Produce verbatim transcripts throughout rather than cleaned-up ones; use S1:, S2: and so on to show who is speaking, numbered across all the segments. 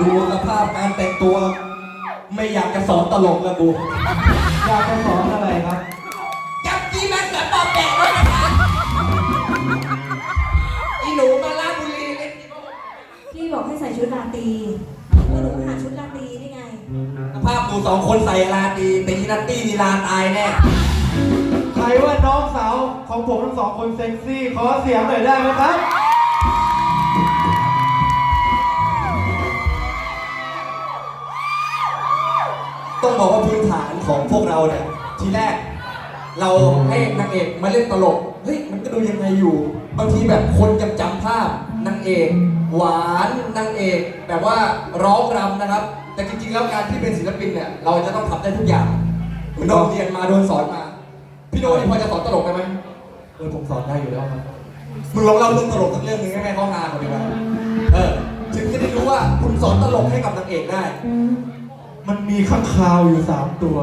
S1: ดูสภาพการแต่งตัว ไม่อยากจะสอนตลกแล้วกู
S2: อยากจะสอนอะไรครับ
S1: จับจีแม็กซ์และปอบแดกเลยนะคะอีหนูมาลาบุรีเล่น
S3: พี่บอกให้ใส่ชุดราตรีก็หนูหาชุดราตรีได้ไง
S1: สภาพดูสองคนใส่ลาตีตีนัตตี้นีลาตายแน่
S2: ใครว่าน้องสาวของผมทั้งสองคนเซ็กซี่ขอเสียงหน่อยได้ไหมครับ
S1: ต้องบอกว่าพื้นฐานของพวกเราเนี่ยทีแรกเราให้นางเอกมาเล่นตลกเฮ้ยมันก็ดูยังไงอยู่บางทีแบบคนยังจำภาพนางเอกหวานนางเอกแบบว่าร้องรำนะครับแต่จริงๆแล้วการที่เป็นศิลปินเนี่ยเราจะต้องทำได้ทุกอย่างเหมือนโดนเรียนมาโดนสอนมาพี่โดนี่พอจะสอนตลกได้ไหม
S2: เออผมสอนได้อยู่แล้วครับ
S1: มึงลองเล่าเรื่องตลกสักเรื่องหนึ่งให้แม่เขาฮาก่อนดีกว่าเออถึงจะได้รู้ว่าคุณสอนตลกให้กับนางเอกได้
S2: มันมีข้างคาวอยู่สามตัว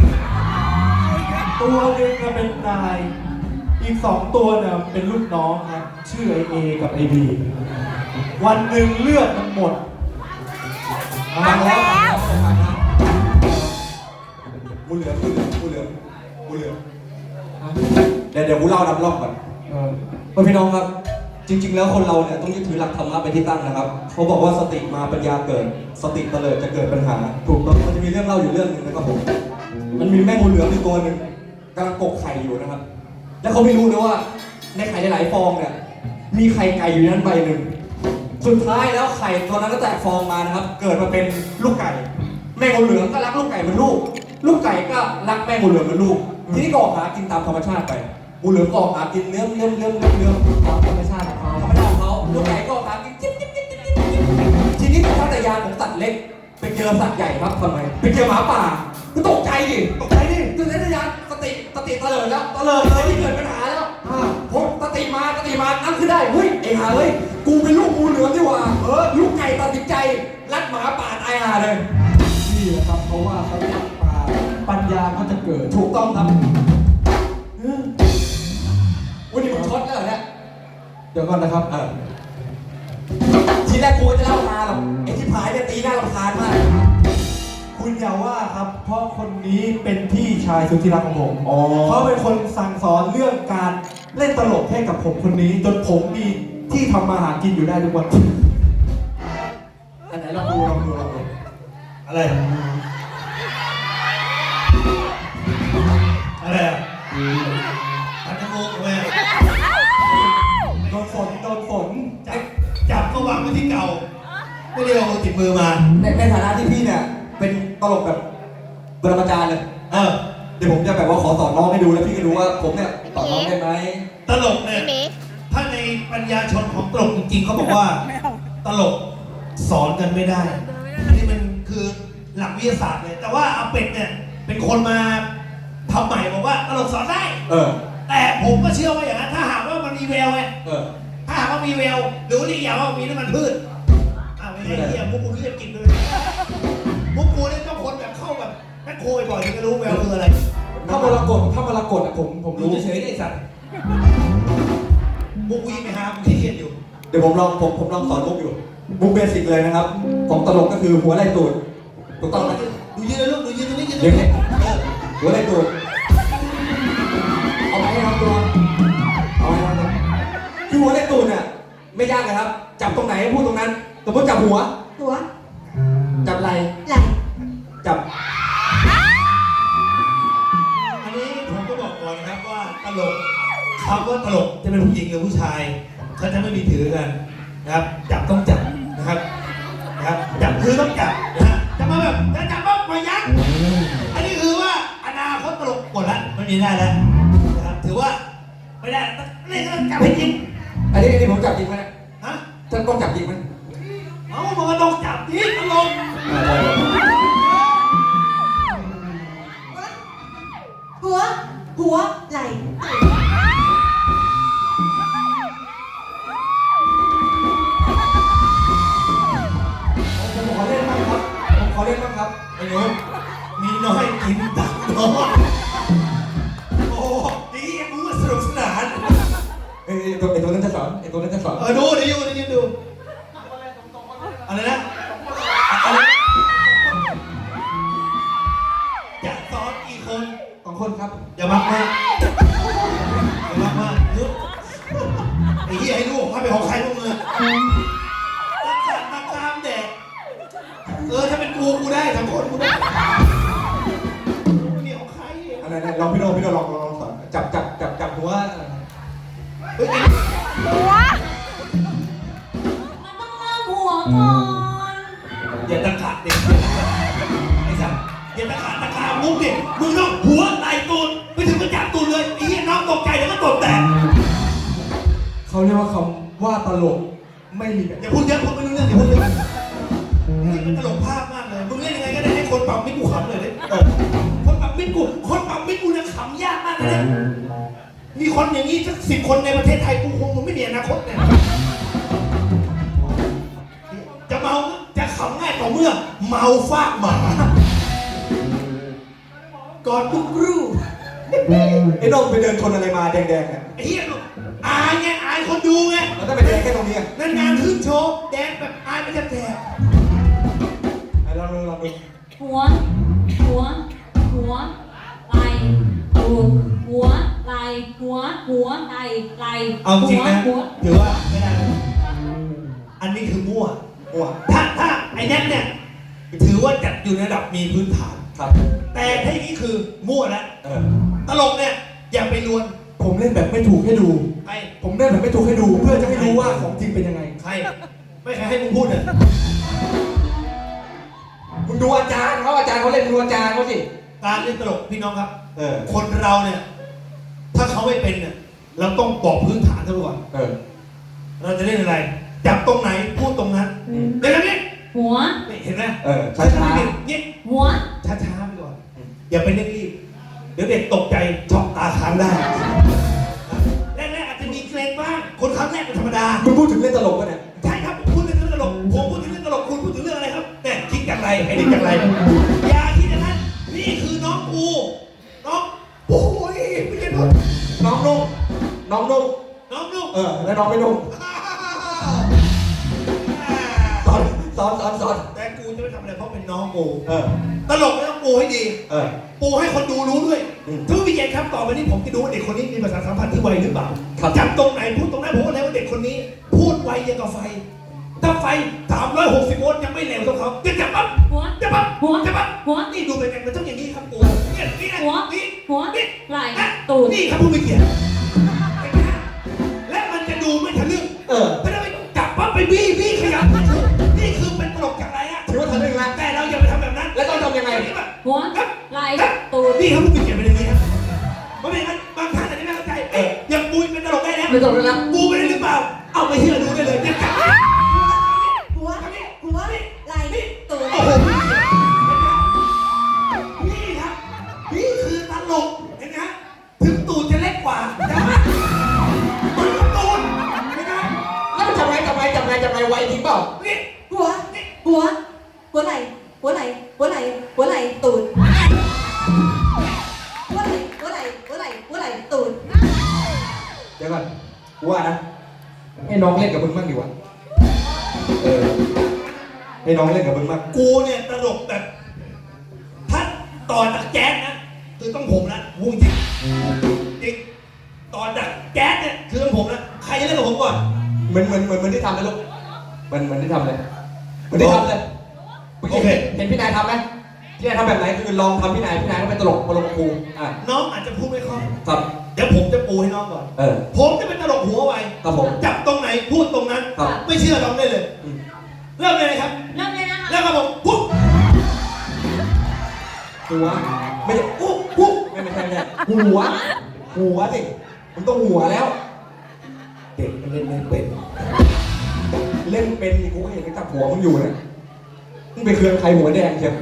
S2: ตัวหนึ่งเป็นนายอีกสองตัวเนี่ยเป็นลูกน้องครับชื่อไอเอกับไอบีวันหนึ่งเลือดมันหมด
S1: ฟังแล้วกูเหลือกูเหลือกูเหลือกูเหลือเดี๋ยวเดี๋ยวกูเล่าดับรอบก่อนเออพี่น้องครับจริงๆแล้วคนเราเนี่ยต้องยึดถือหลักธรรมะเป็นที่ตั้งนะครับเขาบอกว่าสติมาปัญญาเกิดสติเตลิดจะเกิดปัญหาถูกต้องมันจะมีเรื่องเล่าอยู่เรื่องหนึ่งนะครับผมมันมีแม่งูเหลือมอยู่ตัวหนึ่งกำลังกกไข่อยู่นะครับแล้วเขาไม่รู้นะว่าในไข่หลายๆฟองเนี่ยมีไข่ไก่อยู่นั้นใบหนึ่งสุดท้ายแล้วไข่ตัวนั้นก็แตกฟองมานะครับเกิดมาเป็นลูกไก่แม่งูเหลือมก็รักลูกไก่เป็นลูกลูกไก่ก็รักแม่งูเหลือมเป็นลูกทีนี้ก็ออกหากินตามธรรมชาติไปงูเหลือมก็ออกหากินเนื้อเนื้อเนื้อเนื้อเนื้อตามธรรมชาติของเขาธรรมชาติของเขาลูกไก่ก็ออกหากินจิ๊บจิ๊บจิ๊บจิ๊บจิ๊บทีนี้เป็นสัตยานของสัตว์เล็กไปเจอสัตว์ใหญ่ครับทำไมไปเจอหมาป่าก็ตกใจดิตกใจดิคือสัตยานสติสติเตลิดแล้วเตลิดเลยที่เกิดปัญหาแล้วผมสติมาสติมานั่งขึ้นได้เฮ้ยไอ้ห่าเฮ้ยกูเป็นลูกงูเหลือมดีกว่าเออลูกไก่ตัดสินใจรัดหมาป่าตายห่าเลย
S2: นี่แหละครับเพราะว่าเขารักป่าปัญญาก็จะเกิด
S1: ถูกต้องครับวันนี้มึงช็อตแล้วเหรอเนี่ย
S2: เดี๋ยวก่อนนะครับ
S1: เออทีแรกกูจะเล่ามาหรอกไอ้ที่พายเนี่ยตีหน้ารำคาญมาก
S2: คุณอย่าว่าครับเพราะคนนี้เป็นพี่ชายสุดที่รักของผมเขาเป็นคนสั่งสอนเรื่องการเล่นตลกให้กับผมคนนี้จนผมมีที่ทำมาหากินอยู่ได้ทุกวัน
S1: อันไหนลองดูลองดูลองดู
S2: อะไรอะไรอ่ะอันนี้มุกแม่โดนฝนโดนฝนจับจับก็วางไว้ที่เก่าไม่ได้เอาติดมือมา
S1: ในในฐานะที่พี่เนี่ยเป็นตลกแบบปรมาจารย์เลยเออเดี๋ยวผมจะแบบว่าขอสอนน้องให้ดูแล้วพี่ก็รู้ว่าผมเนี่ยสอนน้องได้ไหม
S2: ตลกเนี่ยถ้าในปัญญาชนของตลกจริงๆเขาบอกว่าตลกสอนกันไม่ได้อันนี้มันคือหลักวิทยาศาสตร์เลยแต่ว่าอาเป็ดเนี่ยเป็นคนมาทำใหม่บอกว่าตลกสอนได้
S1: เออ
S2: แต่ผมก็เชื่อว่าอย่างนั้นถ้าหากว่ามันมีแววไง
S1: เออ
S2: ถ้าหากว่ามีแววดูนี่อย่างว่ามีน้ำมันพืชอ้าวไม่ใช่เหี้ยมุกกูเรียกกินเลยมุกกูเนี่ยต้องคนแบบเข้าแบบแม่โคยบ่อยถึงจะรู้แววคืออะไร
S1: ถ้ามรกตถ้ามรกตอ่ะผมผมรู้เฉยๆไอ้สัตว์
S2: มุกวิ่งไปหามุกที่เขียนอยู่
S1: เดี๋ยวผมลองผมผมลองสอนมุกอยู่มุกเบสิกเลยนะครับของตลกก็คือหัวไหล่ตูดถูกต้องไหม
S2: ดูยืนเลยลูกดูยืนตรงนี้ยืนต
S1: รง
S2: นี้
S1: หัวไหล่ตูดเอาไหมครับตัวเอาไหมครับคือหัวไหล่ตูดเนี่ยไม่ยากเลยครับจับตรงไหนพูดตรงนั้นสมมติจับหัว
S3: หัว
S1: จับไหล่
S3: ไหล่
S1: จับ
S2: อันนี้ผมก็บอกก่อนนะครับว่าตลกคำว่าตลกจะเป็นผู้หญิงหรือผู้ชายเขาจะไม่มีถือกันนะครับจับต้องจับนะครับนะครับจับคือต้องจับนะฮะจะมาแบบจะจับว่ามายักอันนี้คือว่าอนาคตตลกหมดแล้วไม่มีได้แล้วนะครับถือว่าไม่ได้เล่นต้องจับให้จริง
S1: อันนี้อันนี้ผมจับจริงไหม
S2: ฮะ
S1: ท่านต้องจับจริงไหม
S2: เอ้ามันก็ต้องจับจริงตลก
S3: หัวหัวไหล่
S1: ผมขอเล่นบ้างครับผมขอเล่นบ้างครับ
S2: ไอ้หนูมีน้อยกินตักน้อยโอ้ดีกูว่าสนุกสนาน
S1: เอ้ยตัวไอ้ตัวนั้นจะสอนไอ้ตัวนั้นจะสอน
S2: เออดูดิดูดิดูอะไรนะ
S1: คนครับ
S2: อย่ามากมากอย่ามากมากเยอะไอ้เหี้ยให้ลูกให้ไปของใครพวกมึงอะตะกาตะกามแดกเออถ้าเป็นกูกูได้ทั้งคนกูได้นี่ของใคร
S1: อะไรนะลองพี่โดพี่โดลองลองสอนจับจับจับจับหัว
S2: เฮ้ย
S3: มันต้องเริ่มหัวก่อน
S2: อย่าตะขาดเด็กไอ้สัสอย่าตะขาดตะขามุกดิมึงต้องหัวไหล่ตูนไปถึงกระจับตูนเลยไอ้เหี้ยน้องตกใจแล้วก็ตกแตก
S1: เขาเรียกว่าคำว่าตลกไม่มีแบบ
S2: อย่าพูดเยอะพูดไม่รู้เรื่องอย่าพูดเยอะนี่มันตลกภาพมากเลยมึงเล่นยังไงก็ได้ให้คนปั๊มมิตรกูขำเลยดิเออคนปั๊มมิตรกูคนปั๊มมิตรกูเนี่ยขำยากมากเลยมีคนอย่างนี้สักสิบคนในประเทศไทยกูคงมึงไม่มีอนาคตเนี่ยจะเมาจะขำง่ายต่อเมื่อเมาฟากหมาก่อนทุกรูป
S1: ไอ้โดมไปเดินชนอะไรมาแดงๆเนี่ย
S2: ไอ้เหี้ยอายไงอายคนดูไง
S1: แล้วถ้าไปแดงแค่ตรงนี้อ่ะ
S2: นั่นงานขึ้นโชว์แดนแบบอายไม่แทบแทบ
S1: ไอ้ลองดูลองดู
S3: หัว หัว หัวไหล่ตูดหัวไหล่หัว หัวไหล่ไหล่
S2: เอาจริงนะ
S3: หัว
S2: ถือว่าไม่ได้เลยอันนี้คือมั่ว
S1: หัว
S2: ถ้าถ้าไอ้แน็กเนี่ยถือว่าจัดอยู่ในระดับมีพื้นฐาน
S1: ครับ
S2: แต่ถ้าอย่างนี้คือมั่วแล้ว
S1: เออ
S2: ตลกเนี่ยอย่าไปลวน
S1: ผมเล่นแบบไม่ถูกให้ดู
S2: ใคร
S1: ผมเล่นแบบไม่ถูกให้ดู เพื่อจะให้รู้ว่าของจริงเป็นยังไง
S2: ใครไม่ใครให้มึงพูดเนี่ย
S1: มึงดูอาจารย์เขาอาจารย์เขาเล่นดูอาจารย์เขาสิ
S2: การเล่นตลกพี่น้องครับ
S1: เออ
S2: คนเราเนี่ยถ้าเขาไม่เป็นเนี่ยเราต้องบอกพื้นฐานเขาก่อน
S1: เออ
S2: เราจะเล่นอะไร จับตรงไหนพูดตรงนั้นเดี๋ยวนี้
S3: หัว
S2: นี่เห็นไหม
S1: เออช้าช้า
S2: เงี้ย
S3: หัว
S2: ช้าๆไปก่อน อย่าไปเร่งรีบ เดี๋ยวเด็กตกใจช็อกตาค้างได้แรกๆอาจจะมีเกรงบ้าง คนครั้งแรกเป็นธรรมดา
S1: มึงพูดถึงเล่นตลกปะเนี่ย
S2: ใช่ครับผมพูดถึงเรื่องตลก ผมพูดถึงเรื่องตลก คุณพูดถึงเรื่องอะไรครับแต่คิดอย่างไรไอ้นี่อย่างไร อย่าคิดอย่างนั้น นี่คือน้องกู น้องโอ้ยไม่ใช่น้อง
S1: น้องนุ่งน้องนุ่ง
S2: น้องลูก
S1: เออ แล้วน้องไม่นุ่งสอนสอนสอนสอน
S2: แต่กูจะไม่ทำอะไรเพราะเป็นน้องกู
S1: เออ
S2: ตลกไม่ต้องปูให้ดี
S1: เออ
S2: ปูให้คนดูรู้ด้วย
S1: อืม
S2: ทุกวิญญาณครับต่อไปนี้ผมจะดูว่าเด็กคนนี้มีภาษาทสัมพันธ์ที่ไวหรือเปล่า
S1: ครับ
S2: จับตรงไหนพูดตรงนั้นผมว่าแล้วว่าเด็กคนนี้ พูดไวยังกับไฟ ถ้าไฟสามร้อยหกสิบโวลต์ยังไม่เร็วเท่าเขาจะจับปั๊บ
S3: หัว
S2: จับปั๊บ
S3: หัว
S2: จับปั๊บ
S3: หัว
S2: นี่ดูเป็นไงมันต้องอย่างนี้ครับปูเนี่ยนี่นะ
S3: หัว
S2: นี่
S3: หัว
S2: นี่
S3: ไหล่
S2: นะ
S3: ตูด
S2: นี่ครับผู้มีเกียรติเห็นไหมฮะและมันจะดูไม่ทะลึ่ง
S1: เออ
S2: ไม่ได้ไปจับปั๊บไปบี้บี้ขยับนี่คือเป็นตลกจากอะไรอะ
S1: ถือว่าทะลึ่งนะ
S2: แต่เราอย่าไปทำแบบนั้น
S1: แล้วต้องทำยังไง
S2: นี่แบบ
S3: หัวไหล่ตูด
S2: นี่เขาพูดเขียนเป็นอย่างนี้ครับเพราะไม่งั้นบางท่านอาจจะไม่เข้าใจเอ๊ะยังปูเป็นตลกได้แล้ว
S1: ไม่ตลกแล้วนะ
S2: ปูไปได้หรือเปล่า เอาไปเชื่อดูได้เลยเนี่ยจับ
S3: หัว หัวไหล่ตูด
S2: โอ้โหนี่ครับนี่คือตลกเห็นไหมฮะถึงตูดจะเล็กกว่าแต่ว่ามันก็ตูดเห็นไหม
S1: แล้วมันทำไงทำไงทำไงทำไงไวจริงเปล่า
S2: นี่
S3: หัว หัว หัวไหล่หัวไหล่หัวไหล่หัวไหล่ตูดหัวไหล่หัวไหล่หัวไหล่หัวไหล่ตูด
S1: เดี๋ยวก่อนกูว่านะ ให้น้องเล่นกับมึงบ้างดีกว่า เออ ให้น้องเล่นกับมึงบ้าง
S2: กูเนี่ยตลกแบบถ้าต่อจากแจ๊สนะคือต้องผมละพูดจริงจริงต่อจากแจ๊สเนี่ยคือต้องผมละใครจะเล่นกับผมก่อน
S1: เหมือนเหมือนเหมือนเหมือนที่ทำเลยลูกเหมือนเหมือนที่ทำเลยเหมือนที่ทำเลยมื่กี้เห็นพี่นายทำไหมพี่นายทำแบบไหนคือลองทำพี่นายพี่นายก็เป็นตลกตลกกับครูอ่ะ
S2: น้องอาจจะพูดไม่คล่อง
S1: ครับ
S2: เดี๋ยวผมจะปูให้น้องก่อน
S1: เออ
S2: ผมจะเป็นตลกหัวไว
S1: ครับผม
S2: จับตรงไหนพูดตรงนั้น
S1: ครับ
S2: ไม่เชื่อลองได้เลย
S1: อืม
S2: เริ่มเลยนะครับ
S3: เริ่มเลยนะคะ
S2: แล้วครับผมปุ๊บ
S1: หัวไม่ใช่อุ๊บปุ๊บไม่ไม่ใช่ไม่ใช่หัว หัวสิมึงต้องหัวแล้ว
S2: เด็กมันเล่นไม่เป็น
S1: เล่นเป็นนี่กูก็เห็นไปจับหัวมึงอยู่นะมึงไปเคลื่อนใครหัวแดงเชียว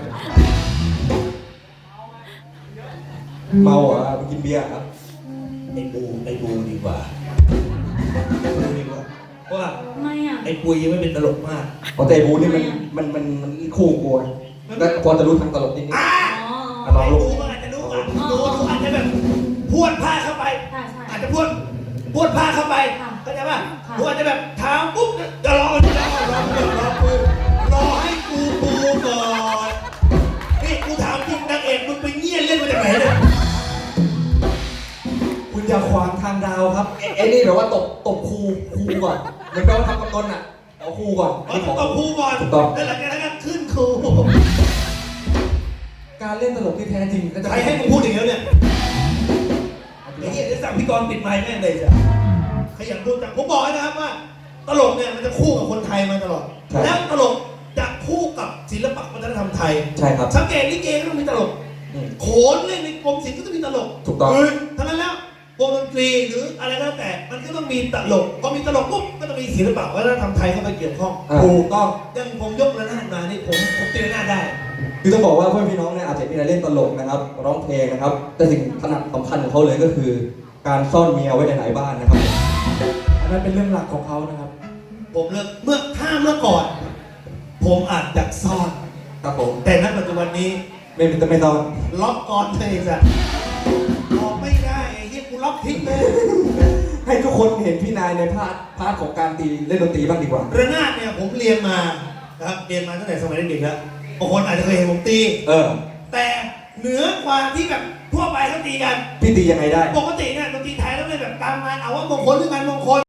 S1: เมาอ่ะมึงกินเบียร์อ่ะ
S2: ไอ้ปูไอ้ปูดีกว่าปูดีกว่าเพราะว่า
S3: ทำไมอ่ะ
S2: ไอ้ปุยยังไม่เป็นตลกมาก
S1: พอเตะบูนี่มันมันมันมันคู่กูนะแล้วพอจะรู้ทางตลกนิดนิด
S2: อ่า
S3: อ๋อ
S1: อ่ะลอง
S2: ไอ้
S1: ลูก
S2: ปูมันอาจจะรู้อ่ะดูดูอาจจะแบบพวดผ้าเข้าไป
S3: ใช่ใช่
S2: อาจจะพวดพวดผ้าเข้าไป
S3: ค่ะ
S2: เข้าใจป่ะ
S3: ค่ะ
S2: หนูอาจจะแบบเท้าปุ๊บจะรอรอรอรอรอปูรอให้กูปูก่อนนี่กูถามจริงนางเอกมึงไปเงี้ยเล่นมาจากไหนเนี่ย
S1: คุณอย่าขวางทางดาวครับไอ้นี่แบบว่าตบตบครูครูก่อนเหมือนกับว่าทำกับต้นอ่ะเอาครูก่อน
S2: อ๋อต้องครูก่อน
S1: ถูกต้อง
S2: แล้วหลังจากนั้นก็ขึ้นครู
S1: การเล่นตลกที่แท้จริงก็จะ
S2: ใครให้มึงพูดอย่างนี้เนี่ยไอ้เหี้ยจะสั่งพี่กรณ์ปิดไมค์แม่งเลยจ้ะขยันพูดจังผมบอกให้นะครับว่า ตลกเนี่ยมันจะคู่กับคนไทยมาตลอด แล้วตลกจะคู่กับศิลปะวัฒนธรรมไทย
S1: ใช่ครับ
S2: สังเกตลิเกก็ต้องมีตลก
S1: อืม
S2: โขนเล่นในกรมศิลป์ก็ต้องมีตลก
S1: ถูกต้อง
S2: เทั้งนั้นแล้ววงดนตรีหรืออะไรก็แล้วแต่ มันก็ต้องมีตลก พอมีตลกปุ๊บก็ต้องมีศิลปะวัฒนธรรมไทยเข้าไปเกี่ยวข้อง
S1: อ่าถูกต้อง
S2: อย่างผมยกระนาดมานี่ผมผมตีระนาดได้
S1: คือต้องบอกว่าเพื่อนพี่น้องเนี่ยอาจจะมีอะไรเล่นตลกนะครับร้องเพลงนะครับ แต่สิ่งถนัดสำคัญของเขาเลยก็คือ การซ่อนเมียไว้ในไหนบ้านนะครับอันนั้นเป็นเรื่องหลักของเขานะครับ
S2: ผมเลือกเมื่อถ้าเมื่อก่อน ผมอาจจะซ่อน
S1: ครับผม
S2: แต่ณปัจจุบันนี้
S1: ไม่เป็นไม่ซ่อน
S2: ล็อกก่อนเลยจ้ะออกไม่ได้ไอ้เหี้ยกูล็อกทิ้งเลย
S1: ให้ทุกคนเห็นพี่นายในพาร์ทพาร์ทของการตีเล่นดนตรีบ้างดีกว่า
S2: ระนาดเนี่ยผมเรียนมานะครับเรียนมาตั้งแต่สมัยเด็กๆแล้วบางคนอาจจะเคยเห็นผมตี
S1: เออ
S2: แต่เหนือกว่าที่แบบทั่วไปเขาตีกัน
S1: พี่ตียังไงได้
S2: ปกติเนี่ยดนตรีไทยต้องเล่นแบบตามงานเอาว่ามงคลหรืองานมงคล